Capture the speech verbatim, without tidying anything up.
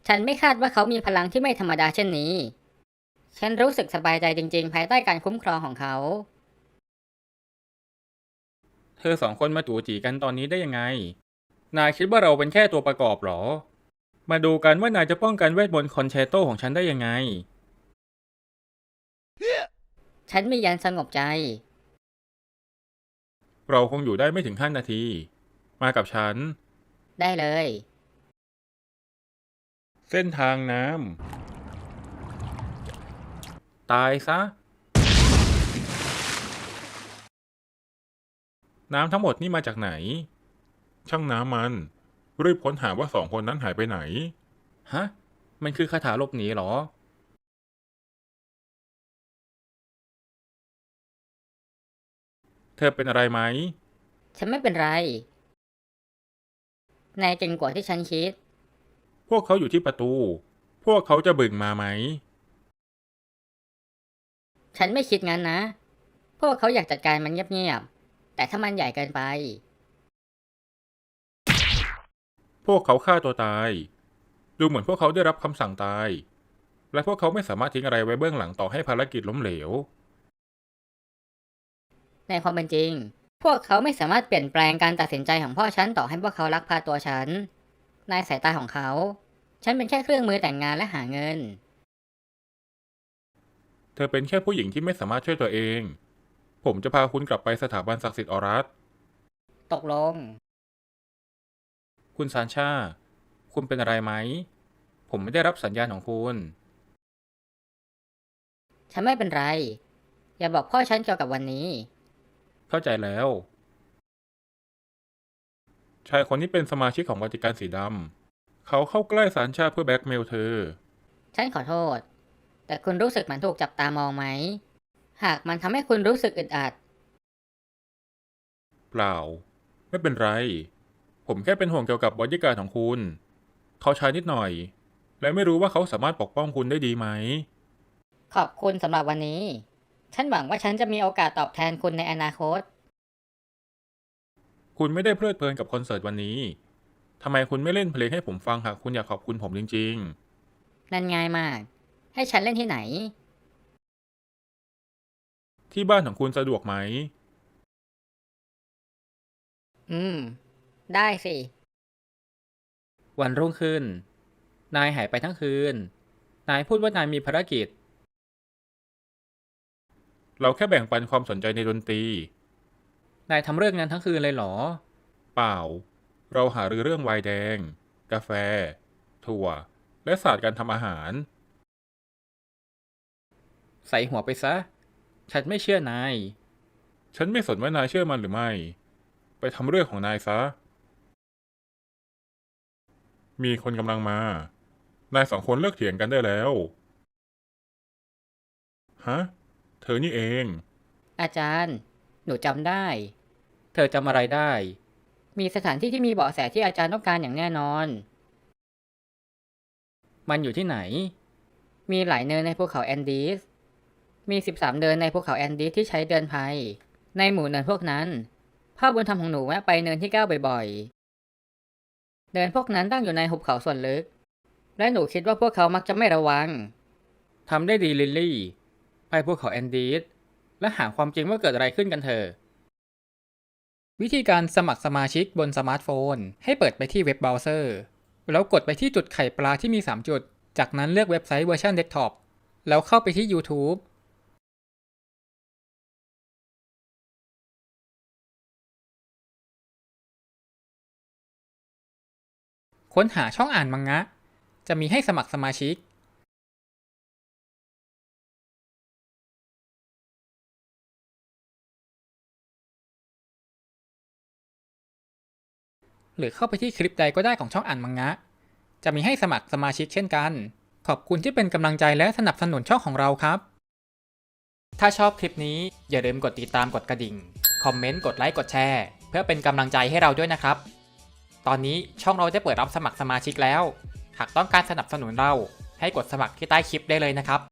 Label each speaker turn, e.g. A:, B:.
A: ฉันไม่คาดว่าเขามีพลังที่ไม่ธรรมดาเช่นนี้ ฉันรู้สึกสบายใจจริงๆภายใต้การคุ้มครองของเขา
B: เธอสองคนมาจู่จีกันตอนนี้ได้ยังไง นายคิดว่าเราเป็นแค่ตัวประกอบหรอ มาดูกันว่านายจะป้องกันเวทมนต์คอนแชร์โตของฉันได้ยังไง
A: ฉันมียันสงบใจ
B: เราคงอยู่ได้ไม่ถึงห้านาที มากับฉัน
A: ได้เลย
B: เส้นทางน้ำ ตายซะ น้ำทั้งหมดนี่มาจากไหน ช่างน้ำมัน รีบค้นหาว่าสองคนนั้นหายไปไหน ฮะ มันคือคาถาหลบหนีเหรอ เธอเป็นอะไรไหม
A: ฉันไม่เป็นไร นายเก่งกว่าที่ฉันคิด
B: พวกเขาอยู่ที่ประตู พวกเขาจะบึ่งมาไหม
A: ฉันไม่คิดงั้นนะ พวกเขาอยากจัดการมันเงียบๆ แต่ถ้ามันใหญ่เกินไป
B: พวกเขาฆ่าตัวตาย ดูเหมือนพวกเขาได้รับคำสั่งตาย และพวกเขาไม่สามารถทิ้งอะไรไว้เบื้องหลังต่อให้ภารกิจล้มเหลว
A: ในความเป็นจริง พวกเขาไม่สามารถเปลี่ยนแปลงการตัดสินใจของพ่อฉันต่อให้พวกเขาลักพาตัวฉัน ในสายตาของเขา ฉันเป็นแค่เครื่องมือแต่งงานและหาเงิน
B: เธอเป็นแค่ผู้หญิงที่ไม่สามารถช่วยตัวเอง ผมจะพาคุณกลับไปสถาบันศักดิ์สิทธิ์ออรัส
A: ตกลง
B: คุณซานชา คุณเป็นอะไรไหม ผมไม่ได้รับสัญญาณของคุณ
A: ฉันไม่เป็นไร อย่าบอกพ่อฉันเกี่ยวกับวันนี้
B: เข้าใจแล้ว ชายคนนี้เป็นสมาชิกของวัติกันสีดำ เขาเข้าใกล้ซานชาเพื่อแบล็กเมลเธอ
A: ฉันขอโทษ แต่คุณรู้สึกเหมือนถูกจับตามองไหม หากมันทำให้คุณรู้สึกอึดอัด
B: เปล่า ไม่เป็นไร ผมแค่เป็นห่วงเกี่ยวกับบอดี้การ์ดของคุณ เขาใช้นิดหน่อย และไม่รู้ว่าเขาสามารถปกป้องคุณได้ดีไหม
A: ขอบคุณสำหรับวันนี้ ฉันหวังว่าฉันจะมีโอกาสตอบแทนคุณในอนาคต
B: คุณไม่ได้เพลิดเพลินกับคอนเสิร์ตวันนี้ ทำไมคุณไม่เล่นเพลงให้ผมฟังหากคุณอยากขอบคุณผมจริง
A: นั่นง่ายมาก ให้ฉันเล่นที่ไหน
B: ๆ ที่บ้านของคุณสะดวกไหม
A: อืม ได้สิ
B: วันรุ่งขึ้น นายหายไปทั้งคืน นายพูดว่านายมีภารกิจ เราแค่แบ่งปันความสนใจในดนตรี นายทำเรื่องนั้นทั้งคืนเลยเหรอ เปล่า เราหารือเรื่องไวน์แดง กาแฟ ถั่ว และศาสตร์การทำอาหาร ใส่หัวไปซะ ฉันไม่เชื่อนาย ฉันไม่สนว่านายเชื่อมันหรือไม่ ไปทำเรื่องของนายซะ มีคนกำลังมา นายสองคนเลิกเถียงกันได้แล้ว ฮะ เธอนี่เอง
A: อาจารย์ หนูจำได้
B: เธอจำอะไรได้
A: มีสถานที่ที่มีเบาะแสที่อาจารย์ต้องการอย่างแน่นอน
B: มันอยู่ที่ไหน
A: มีหลายเนินในภูเขาแอนดีส มีสิบสามเนินในภูเขาแอนดีสที่ใช้เดินภัย ในหมู่เนินพวกนั้น พ่อบุญธรรมของหนูแวะไปเนินที่เก้าบ่อยๆ เนินพวกนั้นตั้งอยู่ในหุบเขาส่วนลึก และหนูคิดว่าพวกเขามักจะไม่ระวัง
B: ทำได้ดีลิลลี่ ไปภูเขาแอนดีสและหาความจริงว่าเกิดอะไรขึ้นกันเถอะ วิธีการสมัครสมาชิกบนสมาร์ทโฟน ให้เปิดไปที่เว็บเบราว์เซอร์ แล้วกดไปที่จุดไข่ปลาที่มีสามจุด จากนั้นเลือกเว็บไซต์เวอร์ชันเดสก์ท็อป แล้วเข้าไปที่ YouTube ค้นหาช่องอ่านมังงะ จะมีให้สมัครสมาชิก หรือเข้าไปที่คลิปใดก็ได้ของช่องอ่านมังงะ จะมีให้สมัครสมาชิกเช่นกัน ขอบคุณที่เป็นกำลังใจและสนับสนุนช่องของเราครับ ถ้าชอบคลิปนี้อย่าลืมกดติดตามกดกระดิ่ง คอมเมนต์ กดไลค์ กดแชร์ เพื่อเป็นกำลังใจให้เราด้วยนะครับ ตอนนี้ช่องเราได้เปิดรับสมัครสมาชิกแล้ว หากต้องการสนับสนุนเราให้กดสมัครที่ใต้คลิปได้เลยนะครับ